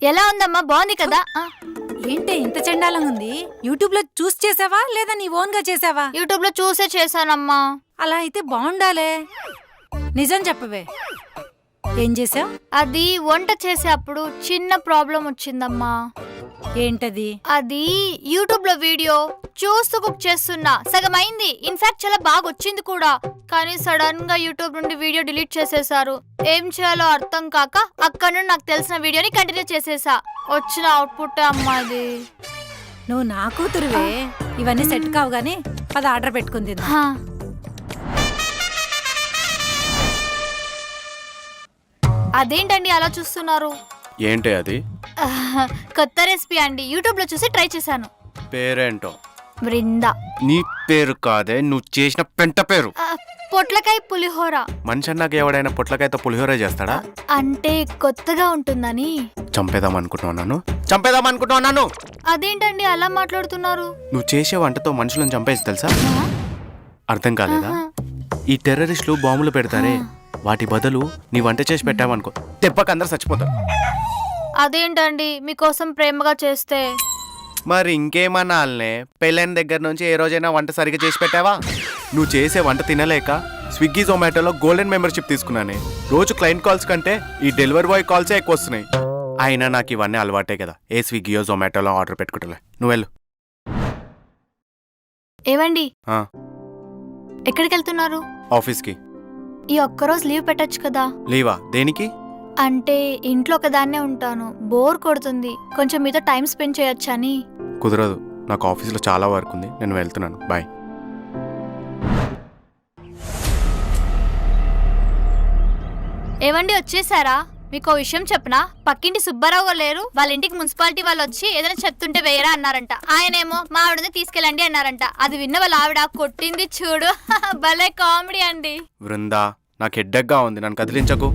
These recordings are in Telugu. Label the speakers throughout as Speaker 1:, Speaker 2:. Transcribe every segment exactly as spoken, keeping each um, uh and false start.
Speaker 1: ఎలా ఉందమ్మా? బాగుంది కదా?
Speaker 2: ఏంటి ఇంత చండాలంగా ఉంది? యూట్యూబ్ లో చూసి చేసావా లేదా నీ ఓన్ గా చేసావా?
Speaker 1: యూట్యూబ్ లో చూసే చేశానమ్మా.
Speaker 2: అలా అయితే బాగుండాలే. నిజం చెప్పవే, ఏం చేసావు?
Speaker 1: అది వంట చేసేటప్పుడు చిన్న ప్రాబ్లం వచ్చిందమ్మా.
Speaker 2: ఏంటది?
Speaker 1: అది యూట్యూబ్ లో వీడియో చూస్తూ కుక్ చేస్తున్నా, సగం అయింది. ఇన్ఫాక్ట్ చాలా బాగా వచ్చింది కూడా. కానీ సడన్ గా యూట్యూబ్ నుండి వీడియో డిలీట్ చేసేసారు. ఏం చేయాలో అర్థం కాక అక్కడ నుండి నాకు తెలిసిన వీడియోని కంటిన్యూ చేసేసా. వచ్చిన అవుట్పుట్ అమ్మా అది.
Speaker 2: నువ్వు నా కూతురువే, ఇవన్నీ సెట్ కావు గానీ పద ఆర్డర్ పెట్టుకుంది.
Speaker 1: అదేంటండి అలా చూస్తున్నారు?
Speaker 3: ఏంటి అది?
Speaker 1: కొత్త రెసిపీ అండి, యూట్యూబ్ లో చూసి ట్రై చేశాను.
Speaker 3: పేరేంటో?
Speaker 1: బృందా.
Speaker 3: నీ పేరు కాదే, నువ్వు చేసిన పెంట పేరు.
Speaker 1: పొట్లకాయ పులిహోర.
Speaker 3: మనిషి అన్నాక ఎవడైనా పొట్లకాయతో పులిహోర చేస్తాడా?
Speaker 1: అంటే కొత్తగా ఉంటుందని.
Speaker 3: చంపేదాం అనుకుంటున్నాను చంపేదాం అనుకుంటున్నాను
Speaker 1: అదేంటండి అలా మాట్లాడుతున్నారు?
Speaker 3: నువ్వు చేసే వంటతో మనుషులను చంపేసి తెలుసా? అర్థం కాలేదా? ఈ టెర్రరిస్టులు బాంబులు పెడతారే, వాటి బదులు నీ వంట చేసి పెట్టావనుకో, తెప్పక అందరు చచ్చిపోతారు.
Speaker 1: అదేంటండి మీకోసం ప్రేమగా చేస్తే?
Speaker 3: మరి ఇంకేమన్నాలనే, పెళ్ళైన దగ్గర నుంచి ఏ రోజైనా వంట సరిగ్గా చేసి పెట్టావా? నువ్వు చేసే వంట తినలేక స్విగ్గీ జొమాటోలో గోల్డెన్ మెంబర్షిప్ తీసుకున్నానే. రోజు క్లయింట్ కాల్స్ కంటే ఈ డెలివరీ బాయ్ కాల్సే ఎక్కువ వస్తున్నాయి. అయినా నాకు ఇవన్నీ అలవాటే కదా, ఏ స్విగ్గీయో జొమాటోలో ఆర్డర్ పెట్టుకుంటలే. నువ్వు వెళ్ళు.
Speaker 1: ఏవండి, ఎక్కడికి వెళ్తున్నారు?
Speaker 3: ఆఫీస్కి.
Speaker 1: ఈ ఒక్కరోజు లీవ్ పెట్టచ్చు కదా?
Speaker 3: లీవా? దేనికి?
Speaker 1: అంటే ఇంట్లో ఒకదాన్నే ఉంటాను, బోర్ కొడుతుంది, కొంచెం మీతో టైం స్పెండ్ చేయొచ్చని.
Speaker 3: కుదరదు, నాకు ఆఫీస్లో చాలా వర్క్ ఉంది, నేను వెళ్తున్నాను. బాయ్.
Speaker 1: ఏవండి వచ్చేసారా? మీకు విషయం చెప్పనా? పక్కింటి సుబ్బారావు లేరు, వాళ్ళ ఇంటికి మున్సిపాలిటీ వాళ్ళు వచ్చి ఏదైనా చెప్తుంటే వేయరా అన్నారంట. ఆయనేమో మా ఆవిడని తీసుకెళ్ళండి అన్నారంట. అది విన్న వాళ్ళ ఆవిడ కొట్టింది చూడు. భలే కామెడీ అండి.
Speaker 3: బృందా, నాకు హెడ్డెక్గా ఉంది, నన్ను కదిలించకు.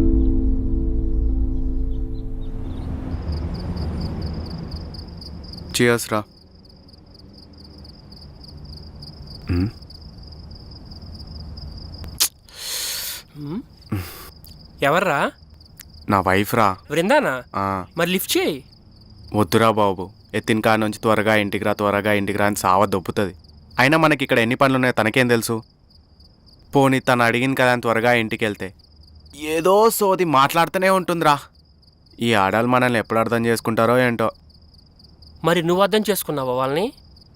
Speaker 3: చియర్స్ రా.
Speaker 4: ఎవర్రా?
Speaker 3: నా వైఫ్ రా.
Speaker 4: బృందానా? మరి లిఫ్ట్ చేయి.
Speaker 3: వద్దురా బాబు, ఎత్తిన కా నుంచి త్వరగా ఇంటికి రా, త్వరగా ఇంటికి రా అని సావ దొబ్బుతుంది. అయినా మనకి ఇక్కడ ఎన్ని పనులు ఉన్నాయో తనకేం తెలుసు? పోనీ తను అడిగింది కదా అని త్వరగా ఇంటికి వెళ్తే ఏదో సోది మాట్లాడుతూనే ఉంటుందిరా. ఈ ఆడాలు మనల్ని ఎప్పుడు అర్థం చేసుకుంటారో ఏంటో.
Speaker 4: మరి నువ్వు అర్థం చేసుకున్నావా వాళ్ళని?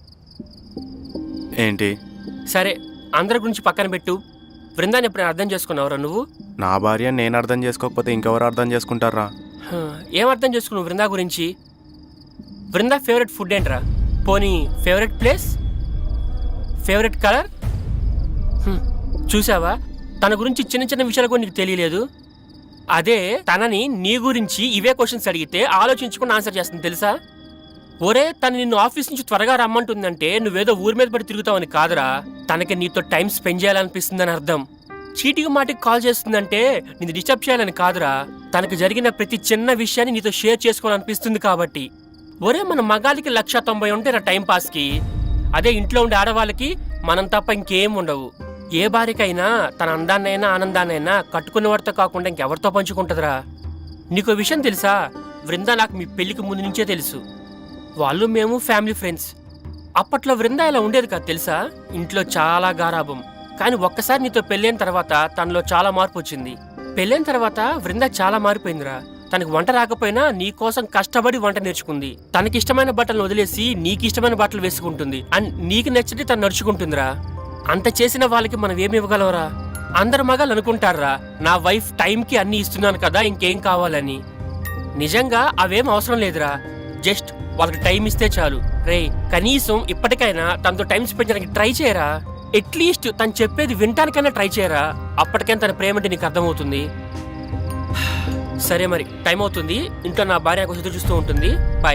Speaker 3: ఏంటి?
Speaker 4: సరే, అందరి గురించి పక్కన పెట్టు. బృందాన్ని ఎప్పుడైనా అర్థం చేసుకున్నావురా నువ్వు?
Speaker 3: నా భార్య నేను అర్థం చేసుకోకపోతే ఇంకెవరు అర్థం చేసుకుంటారా?
Speaker 4: ఏం అర్థం చేసుకున్నావు బృందా గురించి? బృందా ఫేవరెట్ ఫుడ్ ఏంట్రా? పోనీ ఫేవరెట్ ప్లేస్, ఫేవరెట్ కలర్? చూసావా, తన గురించి చిన్న చిన్న విషయాలు కూడా నీకు తెలియలేదు. అదే తనని నీ గురించి ఇవే క్వశ్చన్స్ అడిగితే ఆలోచించుకుని ఆన్సర్ చేస్తుంది తెలుసా? ఒరే, తను నిన్ను ఆఫీస్ నుంచి త్వరగా రమ్మంటుందంటే నువ్వేదో ఊరి మీద పడి తిరుగుతావని కాదురా, తనకి నీతో టైం స్పెండ్ చేయాలనిపిస్తుందని అర్థం. చీటికి మాటికి కాల్ చేస్తుందంటే నిన్ను డిస్టర్బ్ చేయాలని కాదురా, తనకు జరిగిన ప్రతి చిన్న విషయాన్ని నీతో షేర్ చేసుకోవాలనిపిస్తుంది కాబట్టి. ఒరే, మన మగాళ్ళకి లక్ష తొంభై ఉంటాయి రా టైం పాస్కి. అదే ఇంట్లో ఉండే ఆడవాళ్ళకి మనం తప్ప ఇంకేం ఉండవు. ఏ భార్యకైనా తన అందాన్నైనా ఆనందాన్నైనా కట్టుకున్నవాడితో కాకుండా ఇంకెవరితో పంచుకుంటుందిరా. నీకో విషయం తెలుసా? బృందా నాకు మీ పెళ్లికి ముందు నుంచే తెలుసు. వాళ్ళు మేము ఫ్యామిలీ ఫ్రెండ్స్. అప్పట్లో బృందా ఇలా ఉండేది కాదు తెలుసా? ఇంట్లో చాలా గారాబం. కానీ ఒక్కసారి నీతో పెళ్ళైన తర్వాత తనలో చాలా మార్పు వచ్చింది. పెళ్ళైన తర్వాత బృందా చాలా మారిపోయిందిరా. తనకు వంట రాకపోయినా నీ కోసం కష్టపడి వంట నేర్చుకుంది. తనకిష్టమైన బట్టలు వదిలేసి నీకు ఇష్టమైన బట్టలు వేసుకుంటుంది. అండ్ నీకు నచ్చితే తను నడుచుకుంటుందిరా. అంత చేసిన వాళ్ళకి మనం ఏమి ఇవ్వగలవరా? అందరు మగాళ్ళు అనుకుంటారా, నా వైఫ్ టైంకి అన్ని ఇస్తున్నాను కదా ఇంకేం కావాలని. నిజంగా అవేం అవసరం లేదురా. జస్ట్ వాళ్ళకి టైం ఇస్తే చాలు. రే, కనీసం ఇప్పటికైనా తనతో టైం స్పెండ్ చేయడానికి ట్రై చేయరా. అట్లీస్ట్ తను చెప్పేది వినటానికైనా ట్రై చేయరా. అప్పటికైనా తన ప్రేమ అంటే నీకు అర్థమవుతుంది. సరే, మరి టైం అవుతుంది. ఇంట్లో నా భార్య కోసం ఎదురు చూస్తూ ఉంటుంది. బాయ్.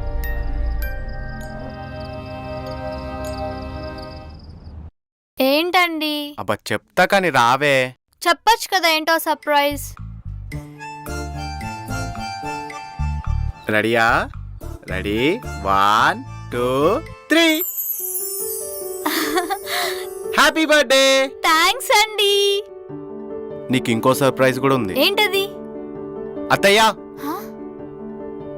Speaker 1: ఏంటండి?
Speaker 3: అబ్బా చెప్తా కానీ రావే.
Speaker 1: చెప్పచ్చు కదా ఏంటో సర్ప్రైజ్.
Speaker 3: రెడీయా? Ready, one two three. Happy birthday.
Speaker 1: Thanks అండి.
Speaker 3: నీకు ఇంకో సర్ప్రైజ్ కూడా ఉంది.
Speaker 1: ఏంటది?
Speaker 3: అత్తయ్య,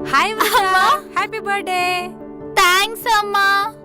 Speaker 2: హాయ్ హ్యాపీ బర్త్డే.
Speaker 1: థ్యాంక్స్ అమ్మా.